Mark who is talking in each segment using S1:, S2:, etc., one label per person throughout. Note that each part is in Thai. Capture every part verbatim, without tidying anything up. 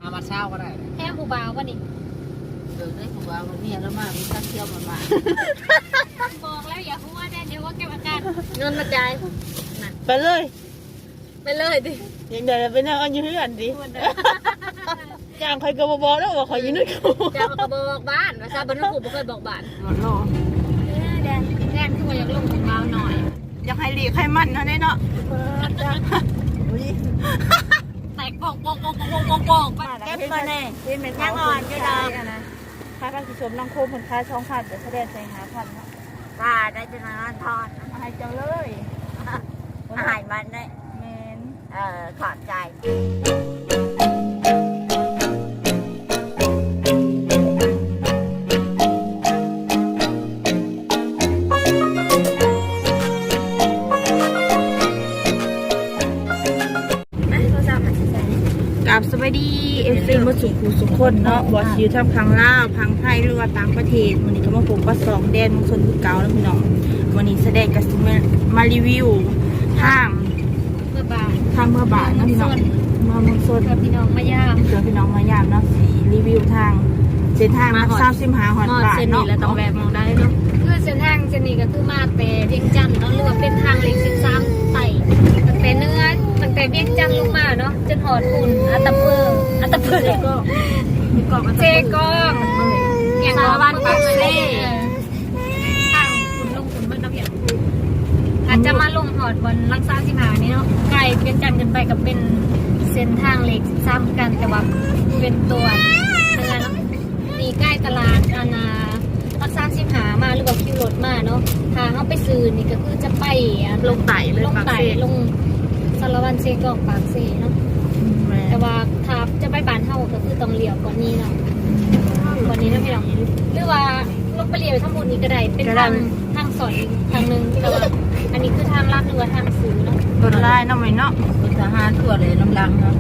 S1: เอามาเช่าก็ได้
S2: แค่ผู้บ่าววันนี้
S1: เดินได้ผู้บ่าวมันเนี่ยแล้วมามีการเที่ยวมันมา
S2: บอกแล้วอย่าพูดว่าเดี๋ยวว่าเก็บอาการ
S3: เงินมาจ่าย
S4: ไปเลย
S3: ไปเลยดิ
S4: ยังเดี๋ยวไปนั่งเอาอยู่ที่อันดิจ้างใครก็บอกแล้วว่าขอยืนด้วยกู
S3: จ้างก็บอกบ้านว่าซาบันทุกผู้เคยบอกบ้าน
S4: หมดโล
S2: แดนแดนคือว่าอยากลงของเราหน่อย
S4: อยากให้หลีกให้มันนะเนี่ยเนาะ
S2: แตกปอกปอกปอกปอกปอกปอก
S3: เก็บมาแน่ยังอ่อนอยู่ดอก
S4: ค่าการผู้ชมน้องโคมคนค้าช่องพันแต่แสดงใจหาพันเนาะ
S3: ป้าได้จะนอนทอด
S4: ให้เจ้าเลย
S3: อาหารมันได้
S4: แมน
S3: เออขอบใจ
S4: กับสวัสดีเอฟซีมาสู่ผู้สุขคนเนาะบอสอยู่ทำพังล่าวพังไทยหรือว่าต่างประเทศวันนี้ก็มาพบกับสองแดนมงคลคือเก่าแล้วพี่น้องวันนี้แสดงกับซิมารีวิวทาง
S2: เมื่อบาท
S4: ทางเมื่อบาทนะพี่น้องเมื่อมงคล
S2: เพื่อพี่น้องมายาม
S4: เพื่อพี่น้องมายามเนาะสีรีวิวทางเส้นทางมาสามสิบห้าหอดบาทเนาะ
S3: แล้วต้องแวะมองได้เนาะ
S2: คือเส้นทางเส้นนี้ก็คือมาแต่เวียงจันทร์เนาะหรือว่าเป็นทางเล็กสิบสามไต่ตั้งแต่เนื้อตั้งแต่เวียงจันทร์ลงมาเนาะจนหอดปุ่นอัตตะเพื่ออัตตะเพื่อก็เจก็อย่างสารวัตรปักเซ่ทางปุ่นลงปุ่นเบิ้ลน้ำอย่างอาจจะมาลงหอดบนลักษาสิบหานี่เนาะไกลเวียงจันทร์กันไปกับเป็นเส้นทางเล็กสิบสามกันแต่ว่าเป็นตัวเนื้อเนาะมีใกล้ตลาดอาณารักษาสิบหามาหรือว่าคิวรถมาเนาะทางเขาไปซื้อนี่ก็คือจะไป
S4: ลงไต่เลย
S2: ลงไต่ลงสารวันเซกอกปากเซเนาะแต่ว่าถ้าจะไปบ้านเฮาก็คือต้องเลี้ยวก่อนนี้เนาะก่อนนี้นะพี่น้องหรือว่าลงไปเลี้ยวทั้งหมดนี้ก็ได้เป็นทางทางสอยทางนึงแต่ว่าอันนี้คือทางลัดหรือว่าทางซื้อเนาะ
S4: รถไล่น้องไหมเนาะ
S1: เป็นทหารทั่วเลยน้ำลังเนาะ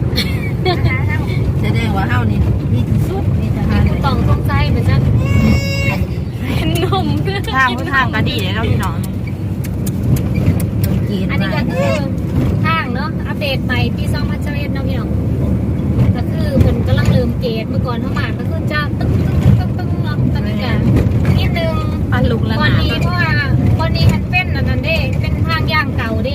S1: แสดงว่าเฮานี่มีที่สุดมีทหาร
S2: ต้องต้องใจเหมือนกันเป็นนม
S4: ทางทางก็ดีเลยเนาะพี่น้อง
S2: อันนี้ก็คือทางเนาะอัปเดตใหม่ปีสองพันสิบเอ็ดเนาะพี่น้องก็คือเพิ่นกำลังเริ่มเกตเมื่อก่อนเท่ามาก็คือจะตึ้งตึ้งตึ้งตึ้งเนาะตอนนี้กันนิดนึง
S4: ปันลุกแล้วนะ
S2: วันนี้เพราะว่าวันนี้มันเป็นอันนั้นเด้เป็นทางย่างเก่าเด้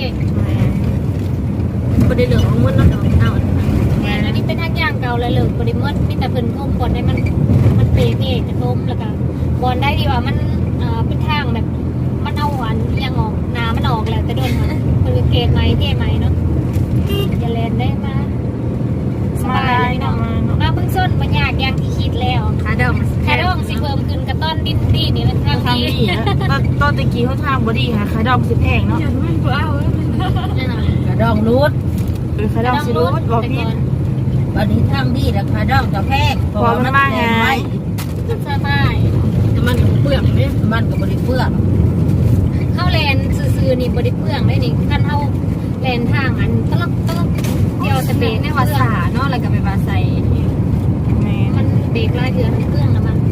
S3: บ่ได้เหลืองของมันเนาะเอา
S2: อันนี้เป็นทางย่างเก่าเลยเหลืองบ่ได้หมดมีแต่เพิ่นท่มก่อนให้มันมันเปรย์เองจะท่มแล้วก็บอลได้ดีว่ามันเอ่อเป็นทางแบบมันเอาหวานยังออกน้ำมันออกแล้วแต่โดนมันคือเกตไหมเกตไหมเนาะอย่าเล่นได้มาสบายเลยเนาะมาเพิ่งส้นมันยากอย่างที่คิดแล้ว
S3: ขาดอง
S2: ขาดองสิเพิ่มขึ้นกระต้อนดินดีนี่มันทางดี
S4: ตอนตะกี้เขาทางบอดี้ค่ะขาดองสิแพงเนาะ
S1: ขาดองรูด
S4: เออขาดองสิรูดบอกพี่
S1: วันนี้ทางดีแล้วขาดองจะแพง
S4: พอมันมากไง
S2: สบาย
S3: แต่มันเปลือกไหม
S1: มันกับบริเปลือก
S2: เข้าแลนซื่อๆนี่บริเปลืองได้นี่ขั้นเข้าแลนทางอันตลกตลกเดียวจะเบรกในวัดสาเนาะอะไรกับไปบาไซมันเบรกลายเดือนเครื่องนะมัน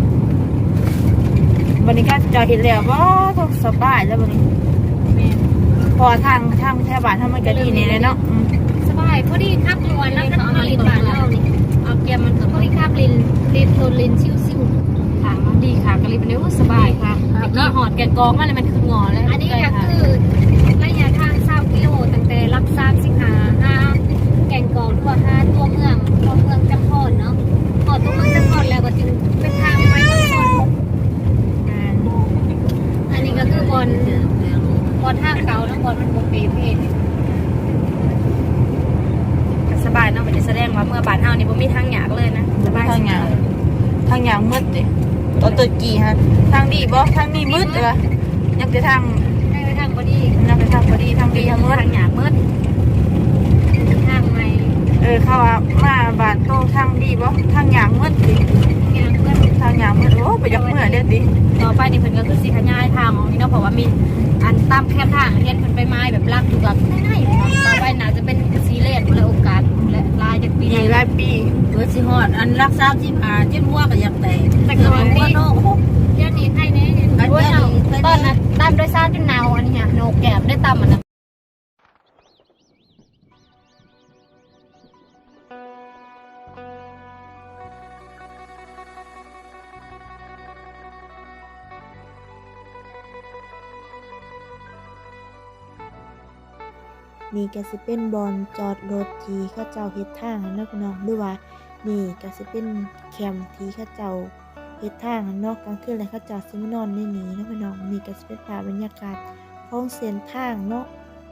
S4: วันนี้ก็จะเห็นแล้วว่าต้องสบายแล้ววันนี้พอทางทางแถวบ้านทางมันก็ดีนี่เลยเนาะ
S2: สบายพอดีขับนวลแล้วก็ลินบ้านเรานี่เอาแกมันพอดีขับลินลินโทนลินชิวๆค่ะดีค่ะกะลิบเนี้ยสบายค่ะนี่หอดแกกองอะไรมันคืองอแล้วอันนี้ก็คือระยะทางสามกิโลตั้งแต่รับทราบสิงหาห้าแกงกองทั่วห้าตัวเมืองตัวเมืองจำพรเนาะพอตัวเมืองจำพรแล้วก็จึงเป็นทางไปจำพรอันนี้ก็คือบอลบอลทางเก่าแล้วบอลมันโมเปเพศ
S3: สบายเนาะมันจะแสดงว่าเมื่อบาดเฮานี่บ่มีทางหยากเลยนะ
S4: สบายทางหยากทางหยากมืดดิตอนตัวกี่ฮะทางดีบ่ทางนี้มืดเลยยังจะทาง
S2: ทางพอดี
S4: ยังจะทางพอดีทางดีทางมืด
S3: ทางหยากมืด
S2: ทางใหม่
S4: เออเขาว่ามาบาดโตทางดีบ่ทางหยากมืดดิ
S2: หยากมืด
S4: ทางหยากมืดโอ้ไปยักเมื่อเด็ดดิ
S3: ต่อไปนี่เพิ่นก็คือสิขยายทางของนี่เนาะเพราะว่ามีอันตามแคบทางเห็นเพิ่นไปไม้แบบลักอยู่กับง่ายๆต่อไปน่าจะเป็นซีเรียสและโอกาสและลายจากปี
S4: นี้หลายปี
S1: เพื่อสิฮอดอันรักษาสิบหาจิ้มหัวก็อยากแตก
S2: แต่ก่อนนี่เดี๋ยวนี้ใครเนี่ยตอนนั้นตามโดยสารจนหนาวอันนี้โหนกแก้มได้ตามมันนะ
S4: นี่ก็สิเป็นบอนจอดรถที่เขาเจ้าเฮ็ดทางเนาะพี่น้องหรือว่านี่ก็สิเป็นแคมป์ที่เขาเจ้าเฮ็ดทางเนาะกลางคืนแล้วเขาเจ้าสิมานอนในนี้เนาะพี่น้องนี่ก็สิเป็นภาพบรรยากาศของเส้นทางเนาะ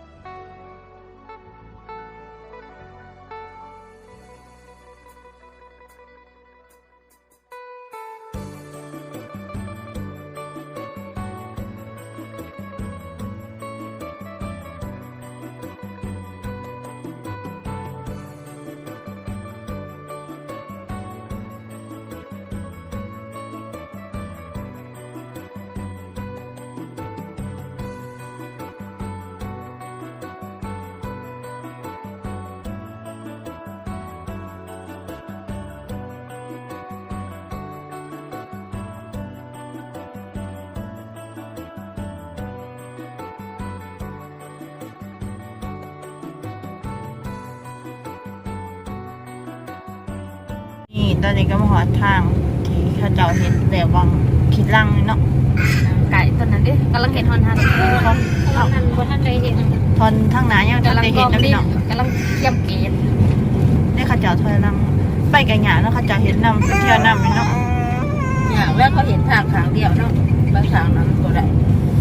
S4: นี่ตอนนี้ก็มาหอทางที่เขาเจ้าเฮ็ดแต่วังคิดลังนี่เนาะ
S3: ไก่ตอนนั้นดิกำลังเห็นฮอนทัน
S4: เขา
S2: เราทันบ่ทันได้เห็น
S4: ทอนทางหนายังจะได้เห็นนะพี่น้อง
S3: กำลังเยี่ยมเกณฑ์
S4: นี่เขาเจ้าถอยลังไปไกลหยาเนาะเขาเจ้าเห็นนำไปเที่ยวนำนี่เนาะ
S1: อย่างแรกเขาเห็นทางทางเดียวเนาะบางทางนั้นก็ได้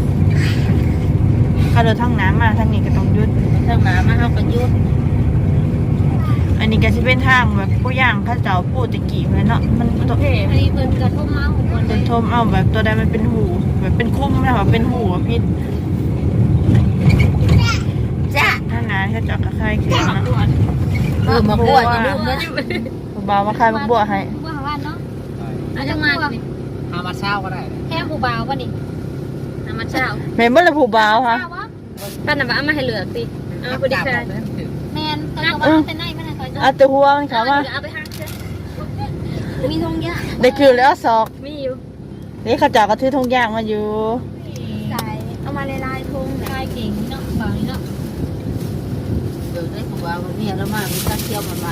S4: เขาเดินทางน้ำมาทางนี้ก็ต้องหยุด
S1: ทางน้ำมาเขาก็ยุด
S4: อันนี้ก็สิเป็นทางแบบผู้ย่างเขาเจ้าพูดตะกี้เลยเนาะมันตัว
S2: อันนี้เพิ่นกระทบมาของคน
S4: เป็นทมเอาแบบตัวใดมันเป็นหูแบบเป็นคุ้มนะแบบเป็นหูอะพี่
S1: จ้า
S4: ถ้าหนาเขาเจ้าก็คลายเขียนเนาะ
S1: เออมาบวชอย่าลืมนะ
S4: ผู้บ่าวมาคลายบัวให้
S2: ว่าว่าเนาะอาจจะมานี่
S3: อามาเช้าก็ได้
S2: แค่ผู้บ่าวบ่นี่น้ำมันเช้า
S4: แม่นบ่ละผู้บ่าวฮะ
S2: ป้าน่ะว่าเอามาให้เหลือสิเอาพอดีค่ะแม่นแต่ก็ว่าแต่ไหนมันน่ะคอย
S4: เอาแต่หัวมันเขามา
S2: เอาไปหาเสื้อมีทงยะ
S4: ได้คือแล้วศอก
S2: มีอยู่
S4: นี่เขาเจ้าก็ถือธงย่างมาอยู่
S2: ใส่เอามาลายๆทงลายเก่งเนาะบ่าวนี่เนาะ
S1: เดี๋ยวได้ผัวมาเมียแล้วมามีตาเที่ยวมามา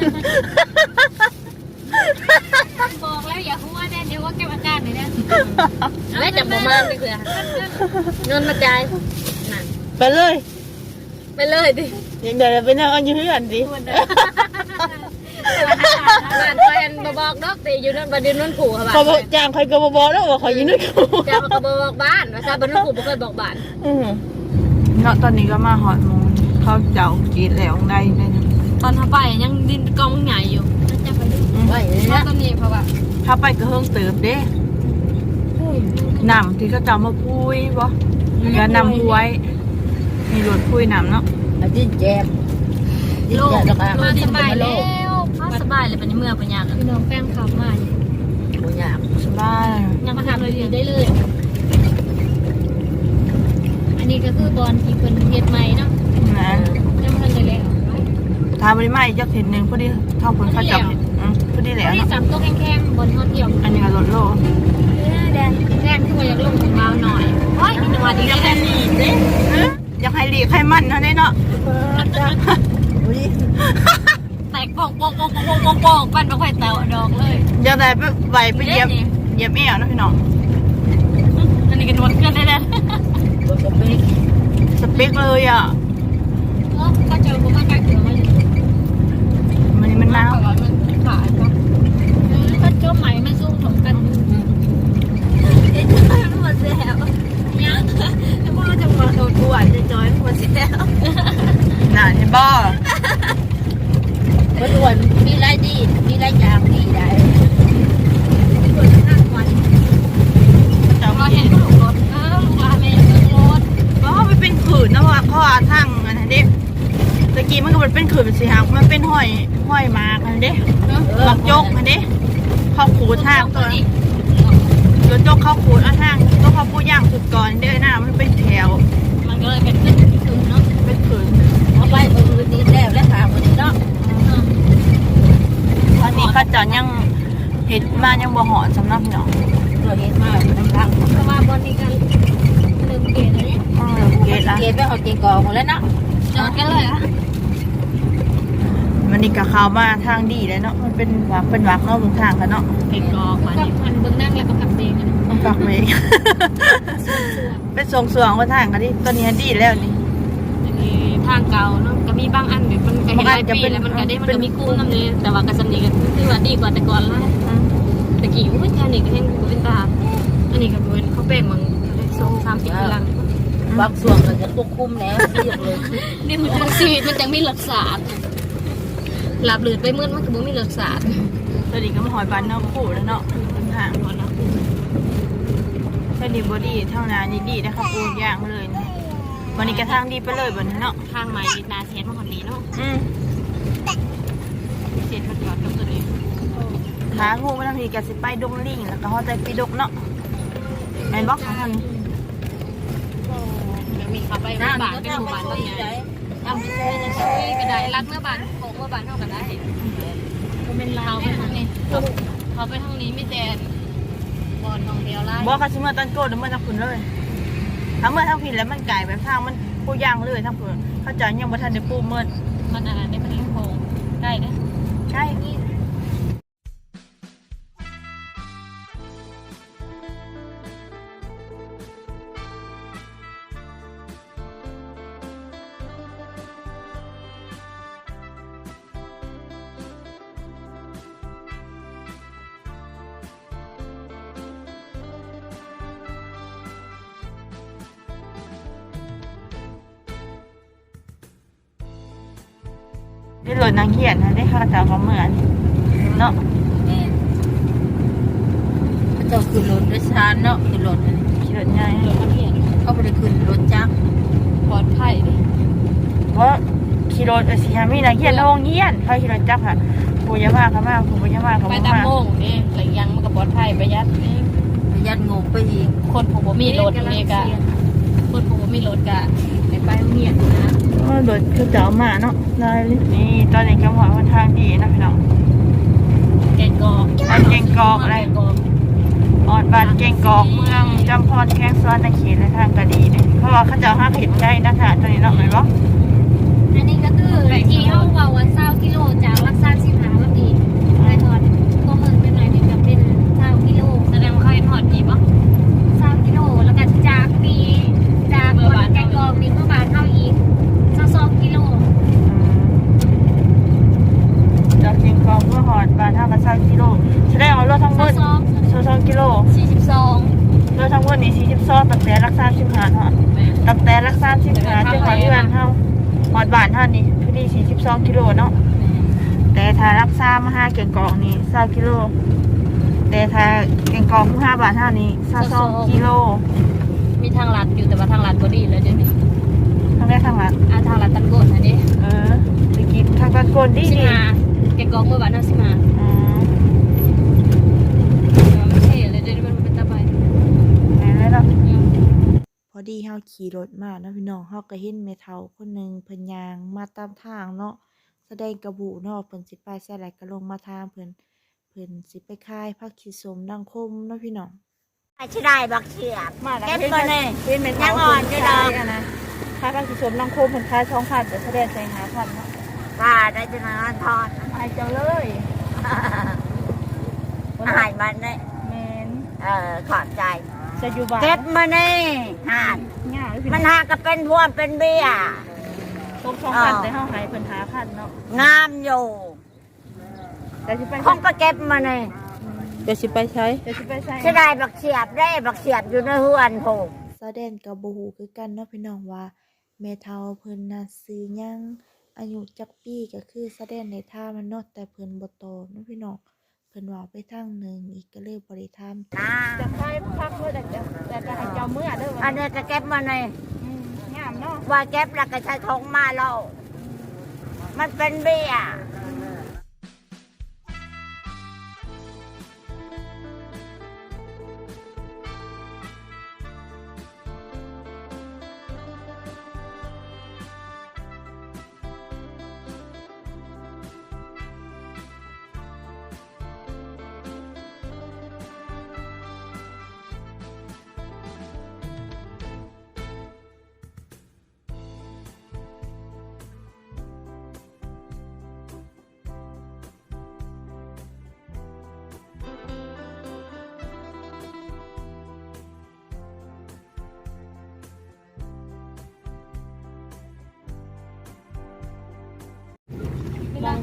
S2: บอกแล้วอย่าหัวแน่เดี๋ยวว่าแก้อาการหน่อยนะแม่จับบ่มาไปคือเงินมาจ่ายนั่น
S4: ไปเลย
S2: ไปเลยดิ
S4: ยังเดี๋ยวไปนั่งเอาอยู่เพื่อนดิ
S2: บ้านคอยอันบ่บอกดอกแต่อยู่นั่นบ่ได้นั่นขู่ค่ะบ้าน
S4: เขาบอกจ้างใครก็บ่บอกแล้วว่าเขาอยู่นู่นเขา
S2: เจ้าก็บ่บอกบ้านว่าซะบ่นั่นขู่บ่เคยบอกบ้าน
S4: อือเนาะตอนนี้ก็มาหอดมูเขาเจ้ากินแล้วได้ได้นะ
S2: ตอนทาไปยังดินกองใหญ่อยู่จะไปดู
S1: ไว้เลย
S2: ว่า
S1: นะ
S2: ตอนนี้เพราะว่า
S4: ถ้าไปก็เฮิงเติบเด้น้ำที่เขาเจ้ามาพุยบ่แล้วนำพุยมีรถพุยน้ำเนาะ
S1: อาจิ้นแจ๊บจิ้นแจ๊บแล้วก็
S2: มาสบาย
S1: โล
S2: แล้
S1: ก
S2: วมาสบายเลยเป็นเมื่อปัญญาพี่น้องแป้งขับมา
S1: หัวยาก
S4: สบาย
S2: ยังมาทำเลยได้เลย อันนี้ก็คือบอลที่เป็นเฮ็ดใหม่เนาะ
S4: นะ
S2: ยังทันได้แล้ว
S4: ทาบริมาอีกจักเห็นหนึ่งพอดีเท่าผลเขาจับอืมพอดีแล้ว
S2: ที่
S4: เนาะ
S2: สามตัวแข็งๆบนท่องเที่ยว
S4: อันนี้ก็รถโล
S2: แดงแดงที่ว่าอยากลงของเราหน่อยโอ้ยจังหวะดีแค่นี้
S4: อยากให้หลีกให้มันเนาะได้เนาะ
S1: อุ้ย
S2: แตกโป่งโป่งโป่งโป่งโป่งโป่งปั้นไปค่อยแตะดอกเลย
S4: อยากได้ไปไหวไปเหยียบเหยียบเอวนะพี่น้อง
S2: อันนี้ก็นวดเกินได้แล้ว
S1: ตัวกระปิก
S4: สเปคเลยอ่ะ
S2: ก็เจอผมมาจากเหนือมาอยู่
S4: มันนี่มันหนาว
S2: มันขายก็ก็เจ้าใหม่มันสู้ถมกันเอ๊ะมันหมดแล้วยังแล้วพวกเราจะมาโดนกวนจะจอยหมดแล้ว
S4: หนาใช่บ่
S1: มันอ้วนมีไรดีมีไรยางดีได้
S2: คนนั่งวัน
S4: เจ้า
S2: เราเห็นลูกรถเออลูกลาเมย์รถ
S4: เพราะมันเป็นขืนนะเพราะว่าเขาอาทั้งอันนั้นเด้ตะกี้มันก็มันเป็นขืนเป็นสีหางมันเป็นห้อยห้อยมากอันเด้บักจกอันเด้เข้าขูดทางตัวรถจกเข้าขูดเอาทางก็เขาพูดย่างสุดก่อนเด้อหน้ามันเป็นแถว
S2: มันก็เลยเป็นขึ้นขึ้นเนาะ
S4: เป็นขืน
S1: เอาไปมือดีแล้วและขามือเนาะ
S4: ตอนนี้ก็จะยังเห็ดมายังบ่หอดสำหรับพี่น้อง
S1: เราเห็นมาน้ำทาง
S2: เพราะว่าบอลนี้กันเริ่มเกลียดแล้วเนี่ย
S4: อืมเกตละ
S1: เกณฑ์ไปเอาเกณฑ์กองหมดแล้วเนาะ
S2: จอดกันเลยอ่ะ
S4: มันนี่กับเขามาทางดีเลยเนาะมันเป็นวักเป็นวักเนาะบางทางกันเนาะ
S2: เก่งกอกมากับพันเบื้องนั่งแล้วก็ขับเองกัน
S4: มันฝักเมฆ เป็นทรงสวงว่าทางกันดิตอนนี้ดีแล้วนี่
S2: อันนี้ทางเก่าเนาะก็มีบางอันแบบมันก็เห็นหลายปีแล้วมันก็ได้มันก็มีคุ้มนำเลยแต่ว่ากระสำนีก็คือว่าดีกว่าแต่ก่อนหลายตะกี้อุ้ยแค่นี้ก็เห็นกูเป็นตาอันนี้ก็เป็นเขาแป้งมันสองสามสิบปีหลัง
S1: บางส่วนก็จะควบคุมแล้วเรียบเลย
S2: นี่มันจังชีวิตมันจังมีหลักศาสตร์หลับหลืดไปมืดมันก็บ่มีหลักศาสตร์
S4: ตอนนี้ก็มาหอยบานนอกคู่แล้วเนาะเป็นทางหมดแล้วตอนนี้บอดี้เท่านั้นดีๆนะครับปูย่างเลยนะวันนี้กระทางดีไปเลยบนนี้เนาะ
S2: ทางใหม่นาเซียนมาคนนี้เนาะ
S4: อืม
S2: เซียนมันก่อนกับตัวนี้
S4: ขางูมาทางนี้ก็สิไปดงลิงแล้วก็ฮอใจปีดกเนาะแมนบอกของทางนี้
S2: เดี๋ยวมีขับไปเมื่อบานเป็นหมู่บ้านต้นใหญ่เอาไปช่วยจะช่วยก็ได้รักเมื่อบานของเมื่อบานเท่ากันได้ก็เป็นเราไปทางนี้เขาไปทางนี้ไม่แดนบอลของเดียวไล่
S4: บอกเขาชิเมื่อตอนโกดหรือเมื่อทางคุณเลยถ้าเมื่อทางผิดแล้วมันไก่แบบทางมันปูย่างเลยทางคุณเขาจะยังบ่ทันได้ปูเมื่อ
S2: มันอะไรได้มันเลี้ยงโคงได้เด้
S4: ใช่ ได้หล่นนางเขียนนะได้ข้าวเจ้าก็เหมือนเนาะ
S1: แม่เขาจะขึ้นรถด้วยชานเนาะขึ้นรถ
S4: ขี่รถใหญ่
S2: เดี๋ยวมันเห็น
S1: เขาไปขึ้นรถจักร
S2: ปลอดภัยดิ
S4: เพราะขี่รถเออสีฮามีนางเขียนโรงเยียนเขาขี่รถจักรค่ะปูยามาเขามาปูยามาเขา
S2: ไป
S4: มา
S2: ตามโมงนี่หลังยังมันก็ปลอดภัยประหยัดนี่
S1: ประหยัดงบไปอีก
S2: คนผมบ่มีรถนี่กะคนผมบ่มีรถกะไปไปโรงเรียนนะ
S4: เออรถเขาจะเอามาเนาะได้นี่ตอนนี้กำลังวันทางดีนะพี่น้อง
S2: แกงกอก
S4: บ้านเก่งกอกอะไร
S2: แกงกอก
S4: ออดบ้านเก่งกอกเมืองจำพรแข้งซ้อนในเขตและทางกะดีเนี่ยเพราะว่าเขาจะเอาห้าเขตใกล้นะคะตอนนี้เนาะไหมบ่
S2: อันนี้ก็คือที่เอาเบาวันเศร้ากิโลจากรักษาสิบหาวันดีนายทอดก็มันเป็นอะไรนี่ก็เป็นเศร้ากิโลแสดงว่าเขาเห็นทอดดีปะเศร้ากิโลแล้วก็จากปีจากคนแกงกอกนี่เมื่อบานเท่าอีกเศร้าสองกิโล
S4: จากเก่งกอกเมื่อหอดบ้านห้ากับสามกิโลแสดงว่ารถทั้งหม
S2: เศร้า
S4: ด
S2: สอง
S4: สองกิโล
S2: สี่สิบสอง
S4: รถทั้งหมดนี่สี่สิบสองตั้งแต่รักษาสิบห้าเนาะตั้งแต่รักษาสิบห้าจนหอดเดือนเท่าหอดบ้านเท่านี้คือนี่สี่สิบสองกิโลเนาะแต่ถ้ารักษามาห้าเก่งกอกนี่สามกิโลแต่ถ้าเก่งกอกห้าบาทเท่านี้สามสองกิโล
S2: มีทางลัดอยู่แต่ว่าทางลัดบอดี้แล้วเดี๋ยวนี้
S4: ทั้งได้ทั้งหลัง
S2: อ่าทางลัดตันโกนอันนี้
S4: เออไปกินทางกันโกนดี
S2: สิ
S4: ดี
S2: มาแกงกอกเมื่อบานเท่าสิมา
S4: อืม
S2: ไม่ใช่เลยเดี๋ยวนี้มันเป็นตะไบ
S4: แม่นเลยเนาะพอดีเฮาขี่รถมาเนาะพี่น้องเฮาก็เห็นแม่เฒ่าคนหนึงเพิ่นย่างมาตามทางเนาะแสดงกระบุเนาะเพิ่นสิไปใส่ไหลก็ลงมาทางเพิ่นเพิ่นสิไปขายผักชีสมดังคมเนาะพี่น้อง
S3: ชิได้บักเฉียบ
S4: มาแล้ว
S3: เก็บมาเลย
S4: เห็นแม่
S3: ยั
S4: เฒ่าง
S3: อ่อนอยู่ดอก
S4: นะขายผักชีสมดังคมเพิ่นขายสองพันแต่แสดงใส่ห้าพันเนาะ
S3: ป้าได้จะนอนทอด
S4: อายจังเลย
S3: อาหารมันเนี่ย
S4: แม่น
S3: เออขอบใจ
S4: จะอยู่บ้าน
S3: เก็บมานี่หาด
S4: ง่ายเลยพี่
S3: มัน
S4: น้อง
S3: หาก็เป็นพวงเป็นเบี้ย
S4: ตกสองพันแต่เฮาให้เพิ่นห้าพันเนาะ
S3: งามอยู่
S4: แต่สิไป
S3: คงก็เก็บมานี่
S4: เดี๋ยวสิไปใช้เดี๋ยวสิไปใช้
S3: ชิได้บักเฉียบได้บักเฉียบอยู่ในหัวนผูก
S4: แสดงกับบ่ฮู้คือกันเนาะพี่น้องว่าแม่เฒ่าเพิ่นน่ะซื้อหยังอายุจักปีก็คือแสดงในท่ามันเนาะแต่เพิ่นบ่ตอบเนาะพี่น้องเพิ่นว่าไปทางหนึงอีกก็เลยบ่ได้ถาม
S3: นะ
S4: จะไปพักเมื่อแต่แต่ก็ให้เจ้าเมื่อเด้อ
S3: อันนี้ก็เก็บมานี่
S4: งามเนาะ
S3: ว่าเก็บแล้วก็ใช้ทงมาแล้วมันเป็นเบี้ย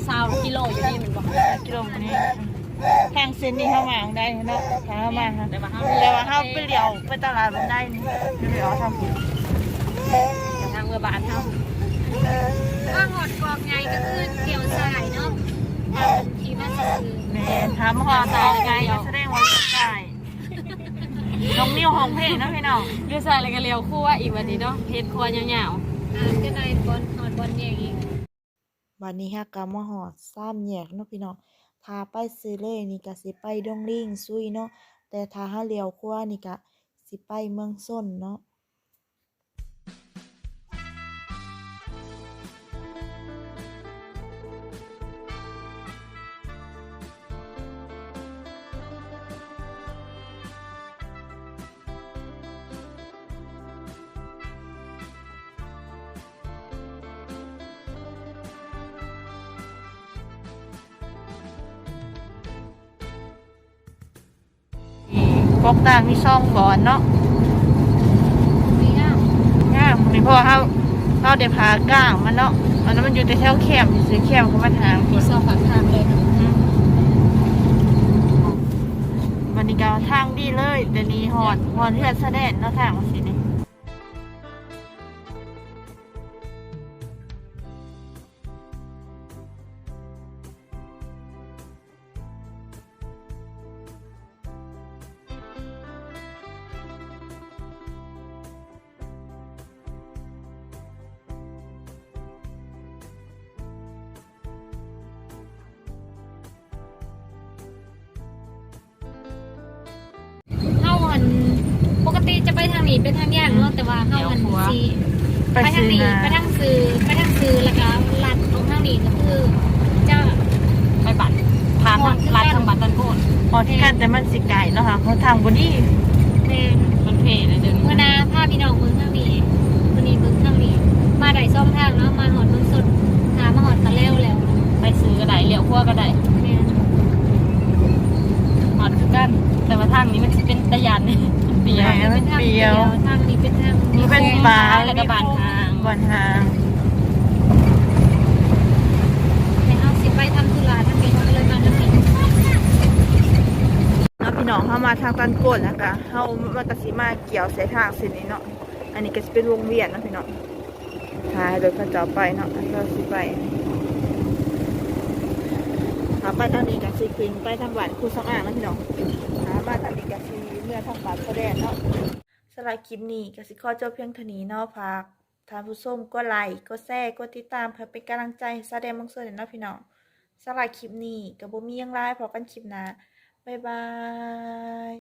S3: ซาวกิโลอยู่นี่มันบอก
S4: กิโลนี้ทางเส้นนี้เข้ามาได้เนาะทางเข้ามาฮะ
S3: แต่ว่าเขา
S4: แต่ว่าเข้าไปเลี้ยวไปตลาดมันได้นี่ไม่ได้เอาทำผิด
S3: ทางเมืองบ้านเขา
S2: ว่าหอดกอกไงก็คือเกี่ยวสายเนาะทางทีมาซื้อ
S4: แม่ทำหอตายไงก็แสดงว่าใช่น้องนิ้วห้องเพลงนะพี่น้อง
S3: เรียกใส่อะไรกันเร็วคู่ว่าอีกวันนี้เนาะเพชรคอยาว
S2: อ่าจะได้บอลหอดบอลแยกอีก
S5: วันนี้ฮะกามาหอดซ้ำแยกเนาะพี่น้องทาไปซื้อเลยนี่ก็สิไปดงลิงซุยเนาะแต่ถ้าหาเลี้ยวขวานี่ก็สิไปเมืองส้นเนาะ
S4: กอกต่างมีช่องบอนเนาะ
S2: ไม่ยาก
S4: ง่ามนี่เพราะว่าเขาเขาเดี๋ยวพาก้างมันเนาะอันนั้นมันอยู่ในแถวแคมป์ซื้อแคมป์เขามาทาง
S3: ๆมีซอกผักทางเลย
S4: อืมวันนี้ก็ทางดีเลยแต่นี้หอดหอดเลือดแสดงเนาะทางมันสินี่
S2: เฮาหันปกติจะไปทางนี้เป็นทางแยกเนาะแต่ว่าเฮาหันสี
S4: ไป
S2: ไปทาง
S4: ซื้อ
S2: นี้
S4: นา
S2: ไปทางซื้อไปทางซื้อแล้วก็ลัดตรงทางนี้ก็คือจะ
S3: ไปบัตรทานร้านทำบัตรตันโพน
S4: หอดที่กันแต่มันสิไก่เนาะค่ะเขาทางบนนี้
S2: แม่น
S3: มันเพลเลยเดิน
S2: เมื่อนาพาพี่น้องเมืองทางนี้วันนี้เมืองทางนี้ มาได้ซ่อมทางเนาะมาหอดเมืองสดหามาหอดตะแล้วแล้ว
S3: ไปซื้อก็ได้เลี้ยวขั้วก็ได้
S2: แม่น
S3: หอดคือกัน แต่ว่าทางนี้มันจะเป็นตะยันเปีย
S4: แหมมันเปรียว
S2: ทางนี้เป็นทาง
S4: นี่เป็นปลา
S3: แล้วก็บานทาง
S4: บานทาง
S2: ไปเอาสิไปทำธุระทางนี้ก็เลยมาทางนี้
S4: เนาะพี่น้องเข้ามาทางตันโกนแล้วก็เข้ามากระสีมาเกี่ยวใส่ทางเส้นนี้เนาะอันนี้ก็จะเป็นวงเวียนเนาะพี่น้องทายโดยเขาเจะไปเนาะเราสิไปหาไปทางนี้กับสีควิงไปทางบ้านครูสองอ่างนะพี่น้องหามาทางนี้กับสีเมื่อทางบ้านเขาแดนเนาะสำหรับคลิปนี้กับสิข้อจบเพียงเท่านี้เนาะฝากท่านผู้ชมก็ไลค์ก็แชร์ก็ติดตามเพื่อเป็นกำลังใจให้แสดงบางส่วนเนาะพี่น้องสำหรับคลิปนี้กับบ่มีหยังไลายพอกันคลิปหน้าบ๊ายบาย